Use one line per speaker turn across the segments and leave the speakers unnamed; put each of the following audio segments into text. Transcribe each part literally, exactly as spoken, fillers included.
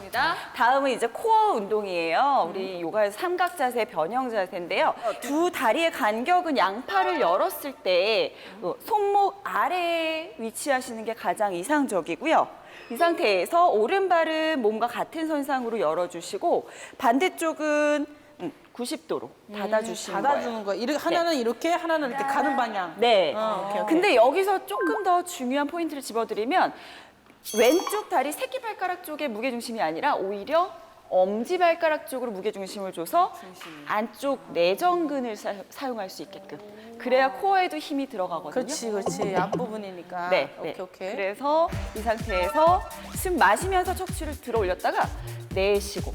넘어갑니다.
다음은 이제 코어 운동이에요. 우리 요가에서 삼각 자세, 변형 자세인데요. 두 다리의 간격은 양팔을 열었을 때 손목 아래에 위치하시는 게 가장 이상적이고요. 이 상태에서 오른발은 몸과 같은 선상으로 열어주시고 반대쪽은 구십 도로 닫아주시는 거예요.
닫아주는 거예요. 이렇게 하나는 이렇게, 하나는 이렇게 가는 방향.
네.
어, 오케이, 오케이.
근데 여기서 조금 더 중요한 포인트를 집어드리면 왼쪽 다리 새끼발가락 쪽에 무게중심이 아니라 오히려 엄지발가락 쪽으로 무게중심을 줘서 안쪽 내전근을 사, 사용할 수 있게끔. 그래야 코어에도 힘이 들어가거든요.
그렇지, 그렇지. 앞부분이니까.
네,
오케이,
네.
오케이.
그래서 이 상태에서 숨 마시면서 척추를 들어 올렸다가 내쉬고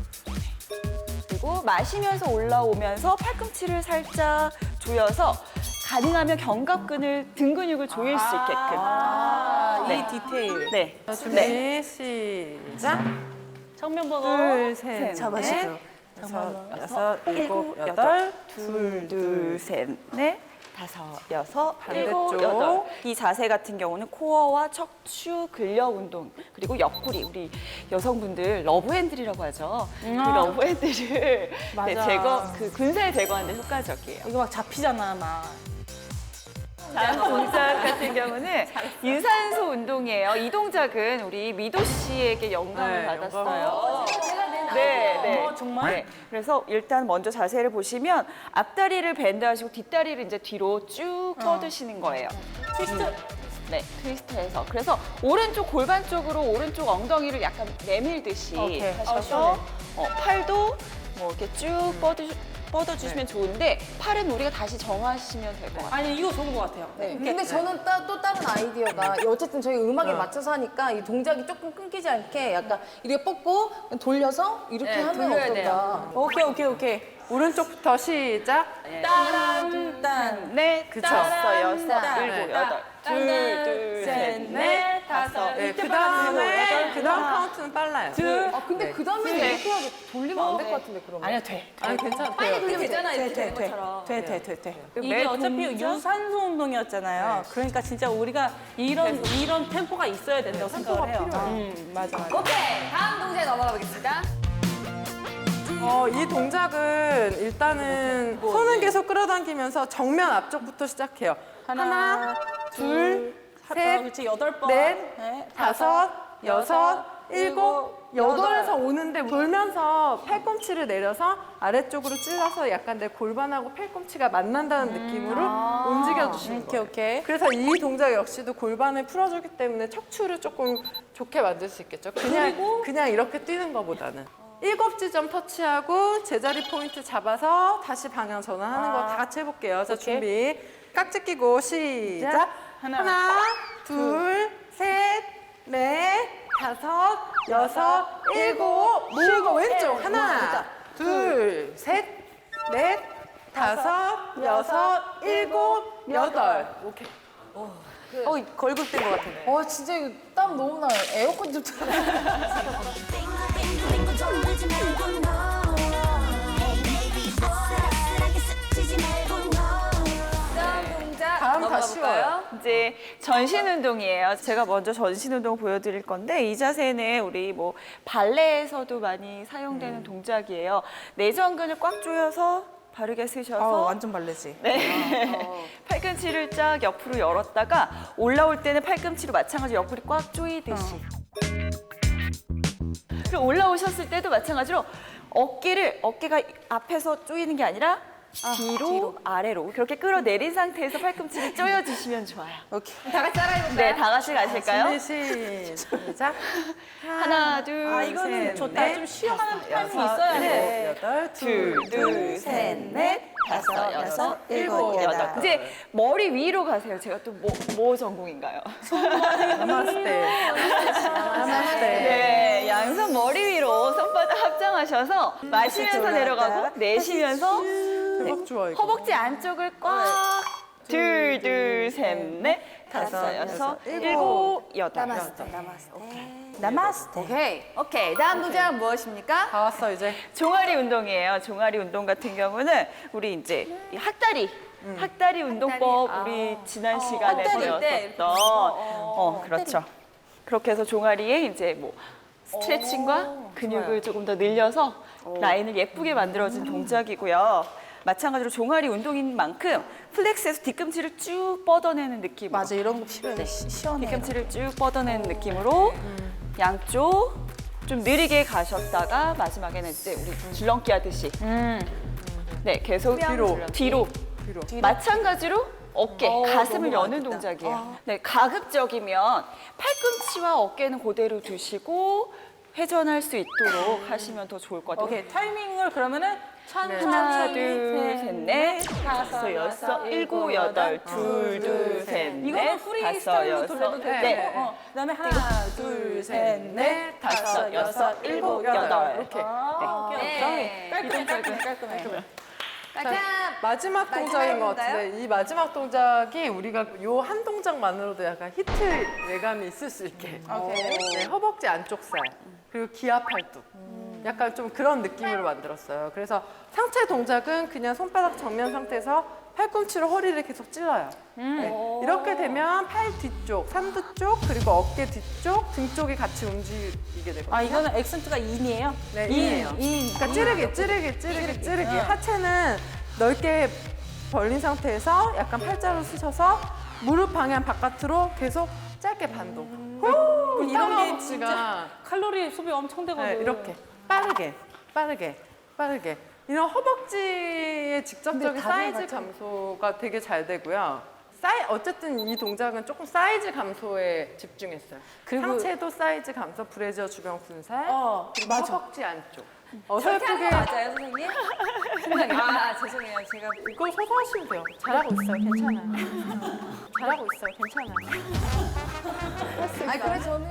그리고 마시면서 올라오면서 팔꿈치를 살짝 조여서 가능하면 견갑근을 등 근육을 조일 수 있게끔.
아,
네.
이 디테일.
네.
자, 준비
네.
시작.
정면 보고.
둘, 셋,
셋,
잡아주세요.
넷,
다섯, 여섯, 일곱, 여덟.
둘, 둘, 셋, 넷, 다섯, 여섯, 일곱,
반대쪽.
여덟. 이 자세 같은 경우는 코어와 척추 근력 운동 그리고 옆구리 우리 여성분들 러브핸들이라고 하죠. 그 러브핸들을 네, 제거 그 근살 제거하는 데 효과적이에요.
이거 막 잡히잖아, 막.
다음 동작 같은 경우는 유산소 운동이에요. 이 동작은 우리 미도 씨에게 영감을
네,
받았어요.
제가 낸
네, 네.
어, 정말?
네. 그래서 일단 먼저 자세를 보시면 앞다리를 밴드하시고 뒷다리를 이제 뒤로 쭉 뻗으시는 거예요.
트위스트.
네, 트위스트해서. 그래서 오른쪽 골반 쪽으로 오른쪽 엉덩이를 약간 내밀듯이
오케이.
하셔서 어, 팔도 뭐 이렇게 쭉 뻗으, 뻗어주시면 좋은데 팔은 우리가 다시 정하시면 될 것 같아요.
아니, 이거 좋은 것 같아요.
네. 근데 저는 따, 또 다른 아이디어가 어쨌든 저희 음악에 맞춰서 하니까 이 동작이 조금 끊기지 않게 약간 이렇게 뻗고 돌려서 이렇게
네,
하면
돌려야
어떨까?
돼요.
오케이, 오케이, 오케이.
오른쪽부터 시작.
따란, 딴.
넷,
그쵸.
다섯, 여섯,
딴,
일곱,
딴,
여덟.
딴,
둘, 둘,
셋,
셋,
넷,
넷, 다섯.
네,
이때
그
빨라지고,
다음에
여덟,
그 다음 카운트는 빨라요.
아, 근데 그 다음에
네.
이렇게 하게 돌리면 안 될 것 같은데, 그러면?
아니야, 돼.
아니 괜찮아요.
돌리면 되잖아,
돼,
이렇게
돼,
되는
돼.
것처럼.
돼, 돼, 돼, 돼.
매
이게 어차피
동작?
유산소 운동이었잖아요. 그러니까 진짜 우리가 이런, 이런 템포가 있어야 된다고 생각을 해요. 음, 맞아, 맞아.
오케이, 다음 동작에 넘어가 보겠습니다.
어, 이 동작은 일단은 손은 계속 끌어당기면서 정면 앞쪽부터 시작해요. 하나, 둘, 셋,
그렇지, 여덟 번.
넷,
네,
다섯, 여섯, 일곱, 여덟에서 오는데 돌면서 팔꿈치를 내려서 아래쪽으로 찔러서 약간 내 골반하고 팔꿈치가 만난다는 느낌으로 움직여주시는
오케이,
거예요.
오케이.
그래서 이 동작 역시도 골반을 풀어주기 때문에 척추를 조금 좋게 만들 수 있겠죠. 그냥, 그냥 이렇게 뛰는 것보다는. 일곱 지점 터치하고 제자리 포인트 잡아서 다시 방향 전환하는 거 다 같이 해볼게요. 자, 준비. 깍지 끼고 시작.
하나,
하나, 둘, 셋, 넷, 다섯, 여섯, 일곱, 쉬고 왼쪽. 하나, 둘, 셋, 넷, 다섯, 여섯, 일곱, 여덟. 오케이.
어, 걸글된 것 같은데.
와, 진짜 이거 땀 너무 나요. 에어컨 좀 틀어.
빙글빙글 좀 울지 말고 너 Hey baby boy 아슬아슬하게 스치지 말고 너
다음 동작
다음 다
넘어가
쉬워요.
볼까요?
이제 전신 운동이에요. 제가 먼저 전신 운동 보여드릴 건데 이 자세는 우리 뭐 발레에서도 많이 사용되는 동작이에요. 내전근을 꽉 조여서 바르게 쓰셔서
어, 완전 발레지.
네. 팔꿈치를 쫙 옆으로 열었다가 올라올 때는 팔꿈치로 마찬가지로 옆구리 꽉 조이듯이. 그리고 올라오셨을 때도 마찬가지로 어깨를 어깨가 앞에서 조이는 게 아니라 뒤로,
뒤로.
아래로 그렇게 끌어내린 상태에서 팔꿈치를 조여주시면 좋아요.
오케이.
다 같이 따라해볼까요?
네, 다 같이 가실까요?
준비 시작.
하나, 둘,
아, 이거는
셋,
좋다.
넷,
좀 쉬어가는
다섯,
타임이
여섯,
있어야
일곱,
돼.
여덟,
둘, 둘, 셋, 넷, 다섯, 여섯, 일곱, 여덟. 이제 머리 위로 가세요. 제가 또 뭐, 뭐 전공인가요?
나마스테. 나마스테.
네, 양손 머리 위로 손바닥 합장하셔서 마시면서 내려가고 내쉬면서
대박 좋아 이거.
허벅지 안쪽을 꽉 둘, 둘, 셋, 넷, 다섯, 여섯, 일곱, 여덟.
나마스테. 나마스테.
오케이. 오케이. 다음 동작은 무엇입니까?
다 왔어 이제.
종아리 운동이에요. 종아리 운동 같은 경우는 우리 이제 이 학다리, 학다리 운동법 우리 지난 시간에
학다리 때 이렇게
배웠었던 어, 그렇죠. 그렇게 해서 종아리에 이제 뭐 스트레칭과 근육을 조금 더 늘려서 라인을 예쁘게 만들어준 동작이고요. 마찬가지로 종아리 운동인 만큼 플렉스에서 뒤꿈치를 쭉 뻗어내는 느낌으로
맞아, 이런 거 필요해. 시- 시원해.
뒤꿈치를 쭉 뻗어내는 느낌으로 양쪽 좀 느리게 가셨다가 마지막에는 이제 우리 줄넘기 하듯이 네 계속
뒤로.
뒤로
뒤로.
마찬가지로 어깨, 가슴을
너무
여는
많겠다.
동작이에요. 네, 가급적이면 팔꿈치와 어깨는 그대로 두시고 회전할 수 있도록 하시면 더 좋을 것 같아요.
오케이, 타이밍을 그러면은 천천히
하나, 둘, 셋, 넷, 다섯, 여섯, 일곱, 여덟, 둘, 둘, 셋, 넷,
이거는 프리스타일로 돌려도
네.
되고, 어, 그다음에 하나, 둘, 셋, 넷, 다섯, 여섯, 일곱, 여덟.
이렇게.
아, 오케이, 오케이. 깔끔해, 깔끔해, 깔끔해.
깔끔.
마지막 동작인 것 같은데 이 마지막 동작이 우리가 요 한 동작만으로도 약간 히트 예감이 있을 수 있게.
오케이.
네, 허벅지 안쪽 살 그리고 기아 팔뚝. 약간 좀 그런 느낌으로 만들었어요. 그래서 상체 동작은 그냥 손바닥 정면 상태에서 팔꿈치로 허리를 계속 찔러요. 네, 이렇게 되면 팔 뒤쪽, 삼두 쪽, 그리고 어깨 뒤쪽, 등 쪽이 같이 움직이게 되거든요.
아, 이거는 액센트가 인이에요?
네,
인,
인이에요.
인.
그러니까 찌르기, 찌르기, 찌르기, 찌르기. 하체는 넓게 벌린 상태에서 약간 팔자로 쓰셔서 무릎 방향 바깥으로 계속 짧게 반동. 후,
이런 게
허벅지가
칼로리 소비 엄청 되거든.
네, 이렇게 빠르게, 빠르게, 빠르게. 이런 허벅지의 직접적인 사이즈 감소가 되게 잘 되고요. 사이, 어쨌든 이 동작은 조금 사이즈 감소에 집중했어요.
그리고-
상체도 사이즈 감소, 브래지어 주변 군살,
어,
그리고
맞아.
허벅지 안쪽. 어설프게
맞아요, 선생님? 아, 죄송해요. 제가
이거 서서 하시면 돼요. 잘하고 있어요. 괜찮아요. 잘하고 있어요. 괜찮아요.
아니, 그래 저는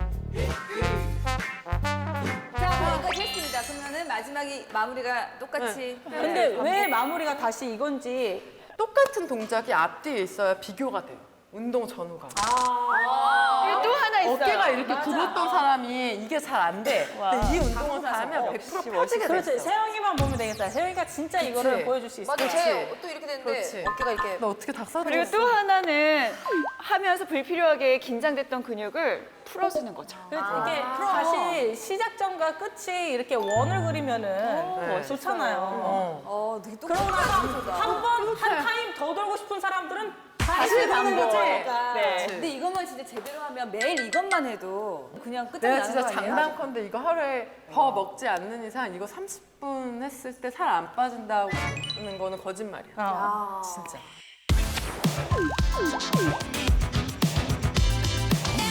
자, 여기까지 했습니다. 그러면은 마지막이 마무리가 똑같이
근데 왜 마무리가 다시 이건지
똑같은 동작이 앞뒤에 있어야 비교가 돼요. 운동 전후가.
또 하나 있어요.
어깨가 이렇게 굽었던 사람이 이게 잘 안 돼. 근데 이 운동을 다 하면 백 퍼센트 펴지게
그렇지,
됐어.
세영이만 보면 되겠다. 세영이가 진짜 이거를
그치.
보여줄 수 있어.
맞아,
그렇지.
제또 이렇게 되는데
그렇지.
어깨가 이렇게
너 어떻게 닭살
그리고 또 하나는 하면서 불필요하게 긴장됐던 근육을 풀어주는 거죠.
그래서 이게 다시 시작점과 끝이 이렇게 원을 그리면은
네.
좋잖아요.
어.
어, 되게
그러고 나서 한 번, 한 타임 더 돌고 싶은 사람들은 다시 가는 거지.
네.
근데 이것만 진짜 제대로 하면 매일 이것만 해도 그냥 끝장이
내가
나는
진짜
거 아니에요?
장담컨대 이거 하루에 더 먹지 않는 이상 이거 삼십 분 했을 때 살 안 빠진다는 거는 거짓말이야.
어.
진짜.